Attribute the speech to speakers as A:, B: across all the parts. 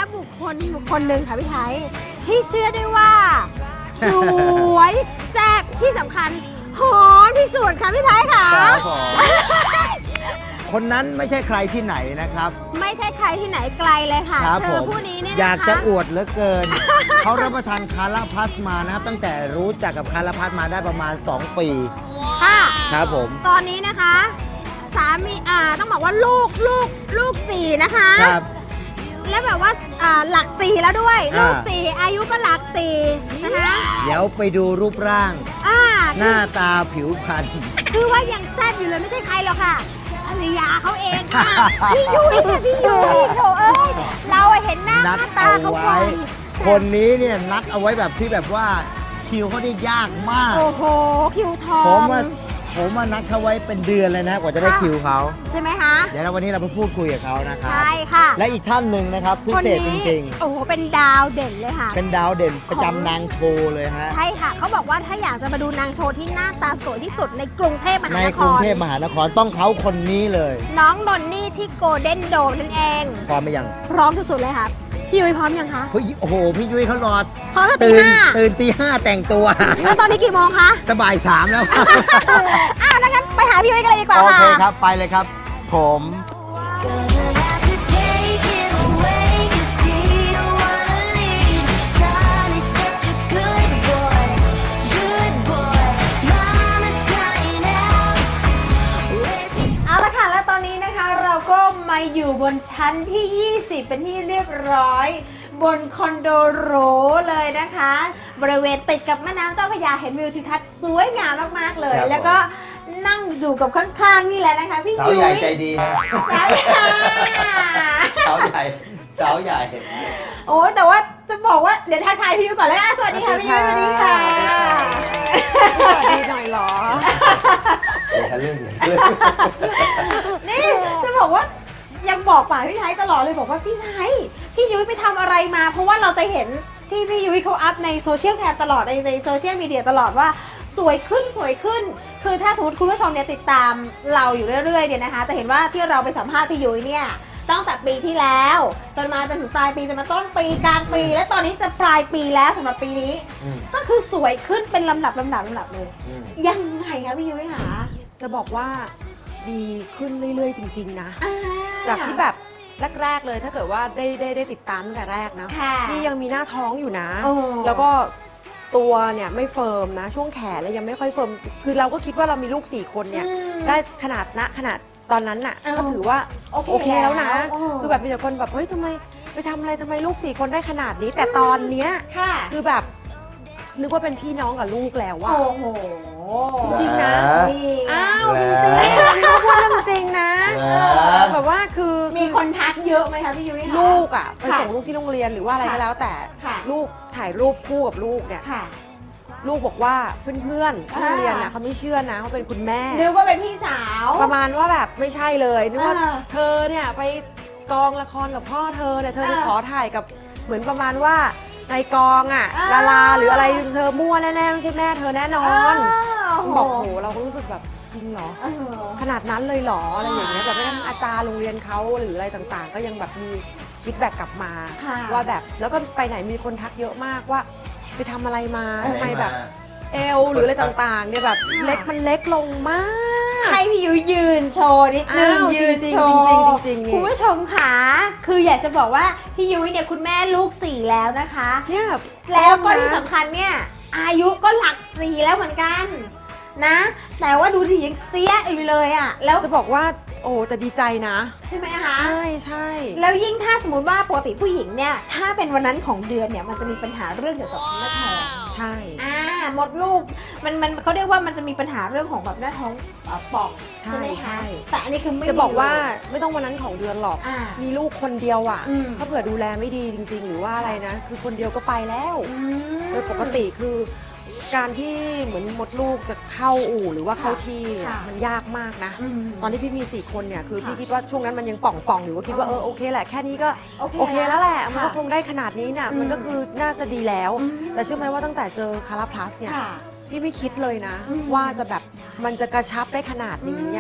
A: บุคคลหนึ่งค่ะพี่ไทยที่เชื่อได้ว่าสวยแซ่บที่สำคัญหอมที่สุดค่ะพี่ไทยค่ะ
B: ครับผมคนนั้นไม่ใช่ใครที่ไหนนะครับ
A: ไม่ใช่ใครที่ไหนไกลเลยค่ะ
B: ครับ
A: เธ
B: ผ
A: อ
B: ม
A: ผู้นี้เนี่ยนะคะ
B: อยากจะอวดเหลือเกิน เขารับประทานคาราพัสมานะครับ ตั้งแต่รู้จักกับคาราพัสมาได้ประมาณ 2 ปี
A: ค่ะ
B: ครับผม
A: ตอนนี้นะคะสามีต้องบอกว่าลูกสี่นะคะ
B: ครับ
A: และแบบว่าหลักสี่แล้วด้วย
B: อ่า
A: ลูกสี่อายุก็หลักสี่นะคะ
B: เดี๋ยวไปดูรูปร่าง
A: อ่า
B: หน้าตาผิวพรรณ
A: คือว่ายังแซ่บอยู่เลยไม่ใช่ใครหรอกค่ะภรรยาเขาเองค่ะ พี่ยุ้ยค่ะพี่ยุ้ยโถเอ้ยเราเห็นหน้า
B: นัด
A: ตา
B: เอา
A: เขา
B: ไว้
A: บ่อย
B: คนนี้เนี่ยนัดเอาไว้แบบที่แบบว่าคิวเขาได้ยากมาก
A: โอ้โหคิวทอ
B: ผม
A: ง
B: มานัดเขาไว้เป็นเดือนเลยนะกว่าจะได้
A: ค่ะ
B: คิวเขา
A: ใช่ไหมคะ
B: เดี๋ยววันนี้เราไปพูดคุยกับเขานะครับ
A: ใช่ค่ะ
B: และอีกท่านหนึ่งนะครับพิ
A: คน
B: เศษจ
A: นี้
B: ริง
A: โอ้โหเป็นดาวเด่นเลยค่ะ
B: ๆ เป็นดาวเด่นประจำนางโชว์เลยฮะ
A: ใช่ค่ะเขาบอกว่าถ้าอยากจะมาดูนางโชว์ที่หน้าตาสวยที่สุดในกรุงเทพมหา
B: ใน
A: น
B: ก
A: ค
B: รุง
A: ร
B: เทพมหานครต้องเขาคนนี้เลย
A: น้องนนนี่ที่โกลเด้นโดมนั่นเอง
B: พร้อมไหมยัง
A: พร้อมสุดๆเลยค่ะพี่ยุ้ยพร้อมยังคะ
B: เฮ้ยโอ้โหพี่ยุ้ยเขารอ
A: พร้อมตั้งตี
B: ตื่น
A: ห้า
B: ตื่นตี 5แต่งตัว
A: แล้วตอนนี้กี่โมงคะ
B: จะบ่าย 3แล้ว
A: อ้าวงั้นไปหาพี่ยุ้ยกันเลยดีกว่า
B: โอ
A: ค่ะ
B: เคครับไปเลยครับ ผม
A: เอาละค่ะ แล้วตอนนี้นะคะเราก็มาอยู่บนชั้นที่ 20 เป็นที่เรียบร้อย บนคอนโดหรูเลยนะคะ บริเวณติดกับแม่น้ำเจ้าพระยาเห็นวิวทิวทัศน์สวยงามมากๆเลย
B: ครับ
A: แล้วก็นั่งอยู่กับข้างๆนี่แหละนะคะพี่
B: สาว
A: ยุ้ย
B: ใหญ่ใจดีฮะ
A: สาวใหญ่
B: สาวใหญ่สาวใหญ่
A: โอ้ยแต่ว่าจะบอกว่าเดี๋ยวทักทายพี่ยุ้ยก่อนเลยสวัสดีค่ะพี่ยุ้ยสวัสดีค่ะ
C: สวัสดีหน่อยเหรอ
B: เดี๋ยวทะลึ่ง
A: นี่จะบอกว่ายังบอกป่าพี่ไทยตลอดเลยบอกว่าพี่ไทยพี่ยุ้ยไปทำอะไรมา เพราะว่าเราจะเห็นที่พี่ยุ้ยเขาอัพในโซเชียลแคมตลอดในโซเชียลมีเดียตลอดว่าสวยขึ้นสวยขึ้น คือถ้าสมมติคุณผู้ชมเนี่ยติดตามเราอยู่เรื่อยๆเนี่ยนะคะจะเห็นว่าที่เราไปสัมภาษณ์พี่ยุ้ยเนี่ยตั้งแต่ปีที่แล้วจนมาจนถึงปลายปีจนมาต้นปีกลางปี และตอนนี้จะปลายปีแล้วสำหรับปีนี้ ก็คือสวยขึ้นเป็นลำดับเลยยังไงคะพี่ยุ้ยคะ
C: จะบอกว่าดีขึ้นเรื่อยๆ จริง ๆ นะ จากที่แบบแรก ๆ เลยถ้าเกิดว่าได้ติดตามตั้งแต่แรกนะ
A: ค่ะ
C: นี่ยังมีหน้าท้องอยู่นะ
A: โอ้
C: แล้วก็ตัวเนี่ยไม่เฟิร์มนะ ช่วงแขนแล้วยังไม่ค่อยเฟิร์ม คือเราก็คิดว่าเรามีลูก 4 คนเนี่ย ได้ขนาดตอนนั้นน่ะ ก็ถือว่าโอเคแล้วนะ คือแบบมีแต่คนแบบเฮ้ยทำไมไปทำอะไรทำไมลูก 4 คนได้ขนาดนี้ แต่ตอนเนี้ย
A: ค่ะ
C: คือแบบนึกว่าเป็นพี่น้องกับลูกแล้วว่า
A: โอ้โห
C: จริงนะ
A: นี่
C: อ้าวจริงๆพี่พูดเรื่องจริงนะ แบบว่าคือ
A: มีคนทักเยอะไหมคะพี่ยุ้ยคะ
C: ลูกอ่ะไป
A: ค่ะ
C: ส่งลูกที่โรงเรียนหรือว่าอะไรก็แล้ว แต่
A: ค่ะ
C: ลูกถ่ายรูปคู่กับลูกเนี่ย
A: ค่ะ
C: ลูกบอกว่าเพื่อนๆที่โรงเรียน
A: อ่า
C: น่ะเขาไม่เชื่อนะเขาเป็นคุณแม่
A: นึกว่าเป็นพี่สาว
C: ประมาณว่าแบบไม่ใช่เลยนึกว่า
A: อ่า
C: เธอเนี่ยไปกองละครกับพ่อเธอเนี่ยเธอไป
A: อ่า
C: ขอถ่ายกับเหมือนประมาณว่าในกองอ่ะ
A: อ่า
C: ดาราหรืออะไรเธอมั่วแน่ๆไม่ใช่แม่เธอแน่นอน
A: โอ้โห
C: บอกโหเราก็รู้สึกแบบจริงเหรอ
A: เออ
C: ขนาดนั้นเลยเหรออะไรอย่างเงี้ยแบบแม้กระทั่งอาจารย์โรงเรียนเขาหรืออะไรต่างๆ ก็ยังแบบมีฟีดแบ็กกลับมา
A: ค่ะ
C: ว่าแบบแล้วก็ไปไหนมีคนทักเยอะมากว่า ไปทำอะไรมาทำไมแบบเอวหรืออะไรต่างๆเนี่ยแบบเล็กมันเล็กลงมาก
A: ให้พี่ยุ้ยยืนโชว์นิดนึง
C: อ้าว
A: ยืน
C: จริงๆ
A: โชว์
C: จริงๆนี่
A: คุณผู้ชมค่ะคืออยากจะบอกว่าพี่ยุ้ยเนี่ยคุณแม่ลูก 4 แล้วนะคะ
C: เนี่ย
A: แล้วก็ที่สำคัญเนี่ยอายุก็หลัก 4 แล้วเหมือนกันนะ แต่ว่าดูดิยังเสียอยู่เลยอ่ะแล้ว
C: จะบอกว่าโอ้แต่ดีใจนะ
A: ใช่ไหมคะ
C: ใช่ใช่
A: แล้วยิ่งถ้าสมมติว่าปกติผู้หญิงเนี่ยถ้าเป็นวันนั้นของเดือนเนี่ยมันจะมีปัญหาเรื่องเกี่ยวกับหน้าท้อง
C: ใช่
A: มดลูกมันเขาเรียกว่ามันจะมีปัญหาเรื่องของแบบหน้าท้องป่อง
C: ใช่
A: ใช่ไหมคะ
C: ใช่
A: แต่อันนี้คือไม่
C: จะบอกว่า
A: มีเลย
C: ไม่ต้องวันนั้นของเดือนหรอก
A: อ่า
C: มีลูกคนเดียวอ่ะ
A: อืม
C: ถ้าเผื่อดูแลไม่ดีจริง ๆ หรือว่าอะไรนะ คือคนเดียวก็ไปแล้ว
A: อืม
C: โดยปกติคือการที่เหมือนมดลูกจะเข้าอู่หรือว่าเข้าที่
A: ค่ะ
C: มันยากมากนะ
A: อืม
C: ตอนที่พี่มี 4 คนเนี่ยคือ
A: ค่ะ
C: พี่คิดว่าช่วงนั้นมันยังป่องๆอยู่ก็คิดว่าโอเคแหละแค่นี้ก็
A: โอ
C: โอ
A: เค
C: เคแล้วแหละ
A: ค่ะ
C: มันก็คงได้ขนาดนี้เนี่ย
A: อืม
C: มันก็คือน่าจะดีแล้ว
A: อืม
C: แต่เชื่อไหมว่าตั้งแต่เจอคาราพลัสเนี่ย
A: ค่ะ
C: พี่ไม่คิดเลยนะ
A: อืม
C: ว่าจะแบบมันจะกระชับได้ขนาดนี้อ่ะ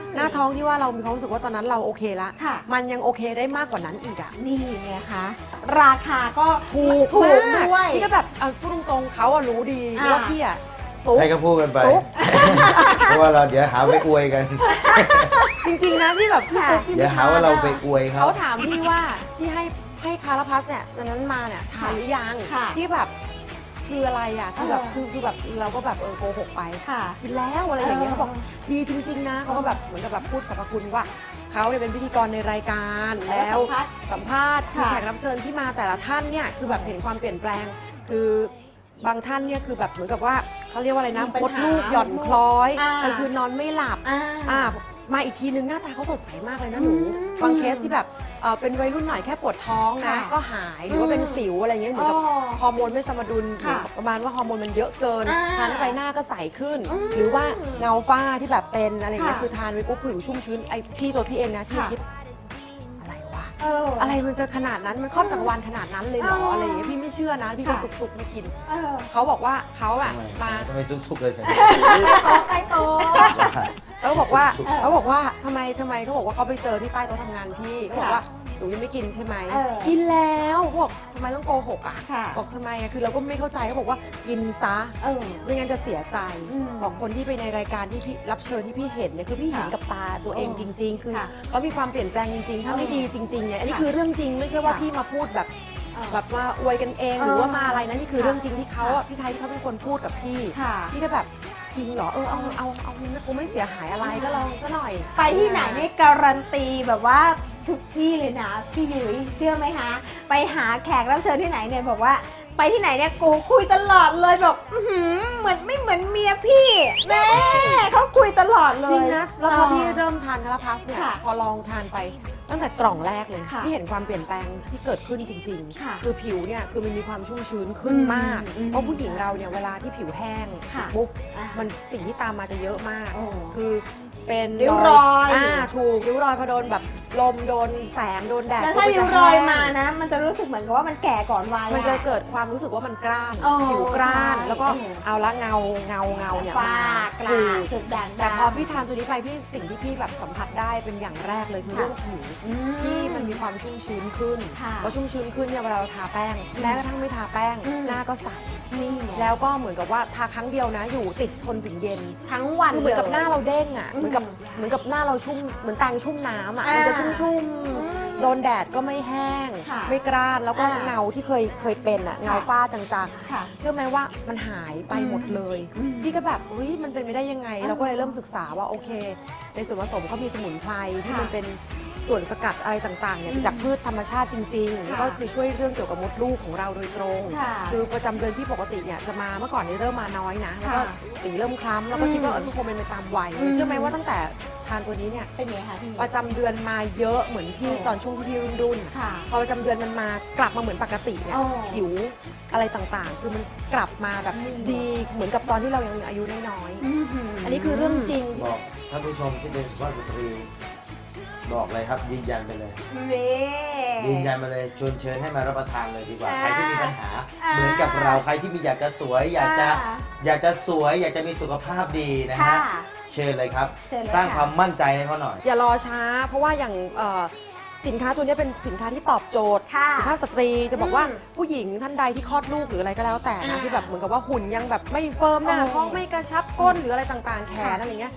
C: หน้าท้องที่ว่าเรามีความรู้สึกว่าตอนนั้นเราโอเคละ
A: ค่ะ
C: มันยังโอเคได้มากกว่านั้นอีกอ่ะ
A: นี่ไงคะ ราคาก็ถูก
C: มาก
A: ด้วย
C: พี่ก็แบบเอาพูดตรงๆเขาอะรู้ดี
A: อ่า
C: ว่าพี่อะซุก
B: ให้ก็พูดกันไป
C: ซุก
B: เพราะว่าเราเดี๋ยวหาไปอวยกัน
C: จริงๆนะที่แบบพี่ซุกพี่
B: เดี๋ยว
C: ไม่
B: หาว่าเราไปอวย
C: เขา
B: เขา
C: ถามพี่ว่าที่ให้คาราพัสเนี่ยตอนนั้นมาเนี่ยทานหรือยัง
A: ค่ะ
C: ที่แบบคืออะไรอ่ะคือแบบคือแบบเราก็แบบโกหกไป
A: ค่ะ
C: กินแล้วอะไรอย่างเงี้ยเขาบอกดีจริง ๆ นะเขาก็แบบเหมือนกับแบบพูดสรรพคุณว่าเขาเนี่ยเป็นพิธีกรในรายการแล้วสัมภาษณ์คือ
A: ค่ะ
C: แขกรับเชิญที่มาแต่ละท่านเนี่ยคือแบบเห็นความเปลี่ยนแปลง คือบางท่านเนี่ยคือแบบเหมือนกับว่าเขาเรียกว่าอะไรนะ
A: มีปัญ
C: มด
A: หา
C: ลูกหย่อนคล้อย
A: อ่าก
C: ลางคืนนอนไม่หลับ
A: อ่า
C: มาอีกทีนึงหน้าตาเขาสดใสมากเลยนะหนู
A: อืม
C: บางเคสที่แบบเป็นวัยรุ่นหน่อยแค่ปวดท้องนะ
A: ค่ะ
C: ก็หายหรือว่าเป็นสิวอะไรเงี้ยเหมือนกับ
A: อ๋อ
C: ฮอร์โมนไม่สมดุลหรือ
A: ค่ะ
C: ประมาณว่าฮอร์โมนมันเยอะเกิน
A: อ่า
C: ทานเข้าไปหน้าก็ใสขึ้น
A: อืม
C: หรือว่าเงาฝ้าที่แบบเป็นอะไรเงี้ย
A: ค่ะ
C: คือทานไปปุ๊บผิวชุ่มชื้นไอพี่ตัวพี่เองนะที่
A: ค่ะ
C: คิดอะไรวะ
A: อะ
C: อะไรมันจะขนาดนั้นมันครอบจักรวาลขนาดนั้นเลยเหรอ
A: อ๋ออ
C: อะไรอย่างเงี้ยพี่ไม่เชื่อนะพี่ก็
A: ค่ะ
C: สุกๆไม่กิน
A: เออ
C: เขาบอกว่าเขาอะมา
B: ทำไมซุกๆเลยสิ
A: ใต้โต๊ะ
C: เขาบอกว่า
A: เออ
C: เขาบอกว่าทำไมเขาบอกว่าเขาไปเจอที่ใต้โต๊ะทำงานพี่เขาบอกว่าหนูยังไม่กินใช่ไหม
A: เออ
C: กินแล้วเขาบอกทำไมต้องโกหกอ่ะ
A: ค่ะ
C: บอกทำไมอะคือเราก็ไม่เข้าใจเขาบอกว่ากินซะ
A: เออ
C: ไม่งั้นจะเสียใจ
A: อืม
C: บอกคนที่ไปในรายการที่พี่รับเชิญที่พี่เห็นเนี่ยคือพี่เห็น
A: ค่ะ
C: กับตาตัวเองจริง ๆ คือ
A: ค่ะ
C: เขามีความเปลี่ยนแปลงจริงๆ ถ้าไม่
A: เออ
C: ดีจริงๆเนี่ยอันนี้
A: ค่ะ
C: คือเรื่องจริงไม่ใช่ว่า
A: ค่ะ
C: พี่มาพูดแบบ
A: เออ
C: แบบมาอวยกันเอง
A: เออ
C: หรือว่ามาอะไรนะนี่คือ
A: ค่ะ
C: เรื่องจริงที่เขาอะพี่ไทยที่เขาเป็นคนพูดกับพี่
A: ค่ะ
C: พี่ก็แบบจริงเหรอเอานะกูไม่เสียหายอะไรก็ลองซะหน่อย
A: ไปที่ไหนนี่การันตีแบบว่าทุกที่เลยนะพี่ยุ้ยเชื่อไหมคะ ไปหาแขกรับเชิญที่ไหนเนี่ยบอกว่าไปที่ไหนเนี่ยกูคุยตลอดเลยบอกอื้อหือเหมือนไม่เหมือนเมียพี่แม่เขาคุยตลอดเลย
C: จริงนะ แล้วพอพี่เริ่มทานคาราพัสเนี่ย
A: ค่ะ
C: พอลองทานไปตั้งแต่กล่องแรกเลย
A: ค่ะ
C: พี่เห็นความเปลี่ยนแปลงที่เกิดขึ้นจริง
A: ค่ะ
C: คือผิวเนี่ยคือมันมีความชุ่มชื้นขึ้นมาก
A: อืม
C: เพราะผู้หญิงเราเนี่ยเวลาที่ผิวแห้ง
A: ค่ะ
C: ปุ๊บ
A: อ่ะ
C: มันสิ่งที่ตามมาจะเยอะมาก
A: โอ้
C: คือเป็น
A: ริ้วรอย
C: ถูกริ้วรอยพอโดนแบบลมโดนแสงโดนแดด
A: แล้วถ้า
C: ปุ๊บ
A: ริ้ว
C: มันจะ
A: รอย
C: แห้ง
A: มานะ มันจะรู้สึกเหมือนกับว่ามันแก่ก่อนวัย
C: มันจะเกิดความรู้สึกว่ามันกร้าน
A: โอ้
C: ผิวกร้าน
A: ใช่
C: แล้วก็
A: โอ้
C: เอาละเงาเนี่ย
A: ฝ้าม กระ
C: ถูก
A: จุดด่าง
C: แต่พอพี่ทานตัวนี้ไปพี่สิ่งที่พี่แบบสัมผัสได้เป็นอย่างแรกเลยคือเรื่องผิวที่มันมีความชุ่มชื้นขึ้น
A: ค่ะ
C: พอชุ่มชื้นขึ้นเนี่ยเวลาเราทาแป้งแม้กระทั่งไม่ทาแป้ง
A: อืม
C: หน้าก็ใส
A: นี่ไง
C: แล้วก็เหมือนกับว่าทาครั้งเดียวนะอยู่ติดทนถึงเย็น
A: ทั้งวัน
C: คือเหมือนกับ
A: ลย
C: หน้าเราเด้งอ่ะ
A: อืม
C: เหมือนกับหน้าเราชุ่มเหมือนแตงชุ่มน้ำอ่ะ
A: อ่ามั
C: มันจะชุ่ม
A: ม
C: ๆโดนแดดก็ไม่แห้ง
A: ค่ะ
C: ไม่กร้านแล้วก็
A: อ่า
C: เงาที่เคยเป็นอ่ะเงาฝ้าจางๆ
A: ค่ะ
C: เชื่อไหมว่ามันหายไปหมดเลย
A: อืม
C: พี่ก็แบบเฮ้ยมันเป็นไปได้ยังไง
A: อ่า
C: เราก็เลยเริ่มศึกษาว่าโอเค ในส่วนผสมเขามีสมุนไพรที่
A: ค่ะ
C: มันเป็นส่วนสกัดอะไรต่างๆเนี่ย
A: อืม
C: จากพืชธรรมชาติจริงๆแล้วก็คือช่วยเรื่องเกี่ยวกับมดลูกของเราโดยตรง
A: ค่ะ
C: คือประจำเดือนพี่ปกติเนี่ยจะมาเมื่อก่อนนี้เริ่มมาน้อยนะแล้วก็
A: ค่ะ
C: สีเริ่มคล้ำแล้วก็คิดว่า
A: อืม
C: ทุกคนเป็นไปตามวัย
A: อืม
C: เชื่อไหมว่าตั้งแต่ทานตัวนี้เนี่ย
A: เป็นไงคะพี่
C: ประจำเดือนมาเยอะเหมือนพี่
A: โอ้
C: ตอนช่วงที่พี่รุ่นๆ
A: ค่ะ
C: พอประจำเดือนมันมากลับมาเหมือนปกติเนี่ย
A: โอ้
C: ผิวอะไรต่างๆ คือมันกลับมาแบบ
A: อืม
C: ดีเหมือนกับตอนที่เรายังอายุน้อย
A: อืม
C: ๆอันนี้คือเรื่องจริง
B: บอกท่านผู้ชมที่เป็นสุภาพสตรี บอกเลยครับยืนยันไปเลย
A: เว้
B: ยืนยันมาเลยชวนเชิญให้มารับประทานเลยดีกว่า
A: อ่า
B: ใครที่มีปัญหา
A: อ่า
B: เหมือนกับเราใครที่มีอยากจะสวย อยากจะสวย อยากจะมีสุขภาพดีนะ
A: ค่ะ
B: ฮะเชิญเลยครับ
A: เชิญเลย
B: สร้าง
A: ค่ะ
B: ความมั่นใจให้เขาหน่อย
C: อย่ารอช้า เพราะว่าอย่างสินค้าตัวนี้เป็นสินค้าที่ตอบโจทย์
A: ค่ะ
C: สุภาพสตรีจะบอกว่า
A: อืม
C: ผู้หญิงท่านใดที่คลอดลูกหรืออะไรก็แล้วแต่นะ
A: อ่า
C: ที่แบบเหมือนกับว่าหุ่นยังแบบไม่เฟิร์มหน้า
A: โอ้
C: ท้องไม่กระชับก้นหรืออะไรต่างๆ แขน
A: ค่ะ
C: อะไรเงี้ย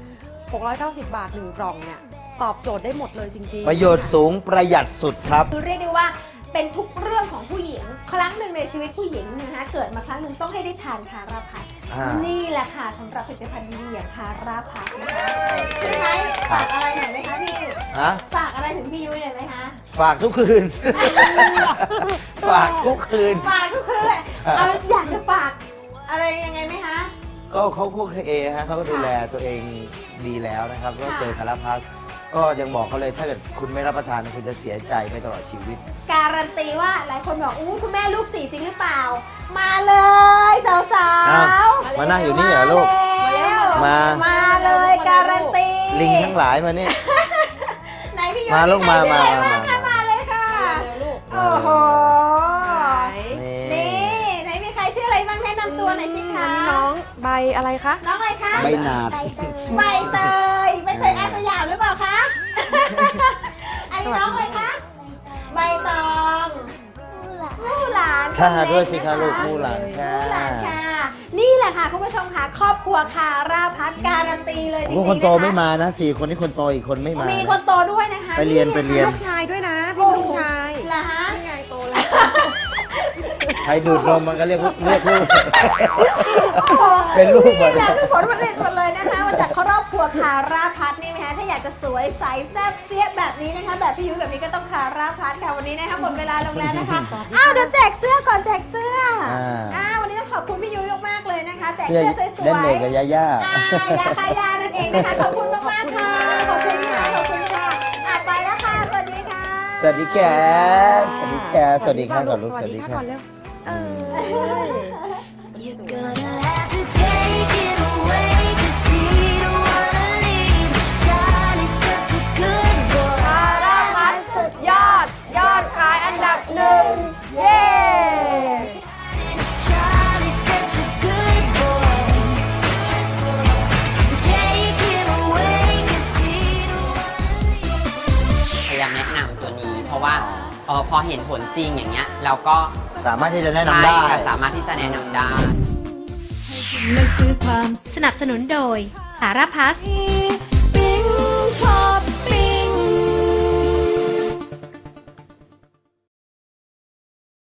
C: 690 บาท1กล่องเนี่ยตอบโจทย์ได้หมดเลยจริงๆ
B: ประโยชน์สูงประหยัดสุดครับ
A: คือเรียกได้ว่าเป็นทุกเรื่องของผู้หญิง ครั้งหนึ่งในชีวิตผู้หญิงนะคะเกิดมาครั้งหนึ่งต้องให้ได้ทานคาราพัส
B: อ่านี่
A: นี่แหละค่ะสำหรับผลิตภัณฑ์ดีๆอย่างคาราพัสนะคะพี่ไทยฝากอะไรหน่อยไหมคะพี่
B: ฮะ
A: ฝากอะไรถึงพี่ยุ้ยหน่อยไหมคะ
B: ฝากทุกคืน ฝากทุกคืน
A: ฝากทุกคืนเอาอยากจะฝากอะไรยังไงไหมคะ
B: ก็เขาโอเคฮะเขาก็ดูแลตัวเองดีแล้วนะครับ ก็เจอคาราพัสก็ยังบอกเขาเลยถ้าเกิดคุณไม่รับประทานคุณจะเสียใจไปตลอดชีวิต
A: การันตีว่าหลายคนบอกอู้คุณแม่ลูกสี่จริงหรือเปล่า มาเลยสาว
B: อ้าว
A: ๆ
B: มานั่งอยู่นี่เหรอลูก มา
A: มาเลยการันตี
B: ลิงทั้งหลายมานี่
A: ไหนพี่ยุ้ย
B: มาลูกมา
A: ใครชื่ออะไร
B: มา
A: บ้างคะมาเลยค่ะ
C: ลูก
A: โอ้โห
B: นี่
A: นี่ไหนมีใครชื่ออะไรบ้างแนะนำตัวหน่อยสิคะ
C: อันนี้น้องใบอะไรคะ
A: น้องอะไรคะ
B: ใบหนาด
A: ใบเตยอาสยามหรือเปล่าคะ อันนี้น้องเลยคะใบตองมู่หลาน
B: ค่ะด้วยสิคะลูกมู่หลานค่ะ
A: มู่หลานค่ะ นี่แหละค่ะคุณผู้ชมค่ะครอบครัวคาราพัฒน์การันตีเลยจริงๆ
B: พวก
A: นะคะ
B: คนโตไม่มานะ4 คนที่คนโตอีกคนไม่มา
A: มี
B: นะ
A: คนโตด้วยนะคะ
B: ไปเรียน
C: ลูกชายด้วยนะพี่ลูกชาย
A: เหรอฮะ
C: นี่ไงโตแล้ว
B: ใครดูดนมมันก็เรียกลูก เป็นลูกหมด
A: นี่แหละคือผลผลิตหมดเลยนะคะมาจากครอบครัวคาราพัฒน์นี่ไหมคะถ้าอยากจะสวยใสแซ่บเสี้ยแบบนี้นะคะแบบพี่ยุ้ยแบบนี้ก็ต้องคาราพัฒน์ค่ะวันนี้นะคะหมดเวลาลงแล้วนะคะอ้าวเดี๋ยวแจกเสื้อก่อนแจกเสื้อวันนี้ต้องขอบคุณพี่ยุ้ยมากๆเลยนะคะแจก
B: เสื้อ
A: เสื้อสวยๆ
B: เล่นเด็กกับย่า
A: ยาคายานั่นเองนะคะขอบคุณมากๆค่ะขอบคุณค่ะขอบคุณค่ะไปแล้วค่ะสวัสดีค่ะ
B: สวัสดีแกสวัสดีแกสวัสดีค่ะก่อนลูก
C: สวัสดีค่ะก่อนเร็ว
D: You're gonna have to take it away 'cause he don't wanna leave. Charlie's such a good boy.
C: คาราพัฒน์สุดยอดขายอันดับ1 เย้
D: Charlie's such a good boy. Take it away 'cause he don't wanna leave.
E: พยายามแนะนำตัวนี้ เพราะว่าพอเห็นผลจริงอย่างเงี้ยเราก็
B: สามารถที่จะแนะนำได้
E: ใช่ค่ะสามารถที่จะแนะนำได้
F: สนับสนุนโดยสาราพัส
D: ปิ๊งชอบ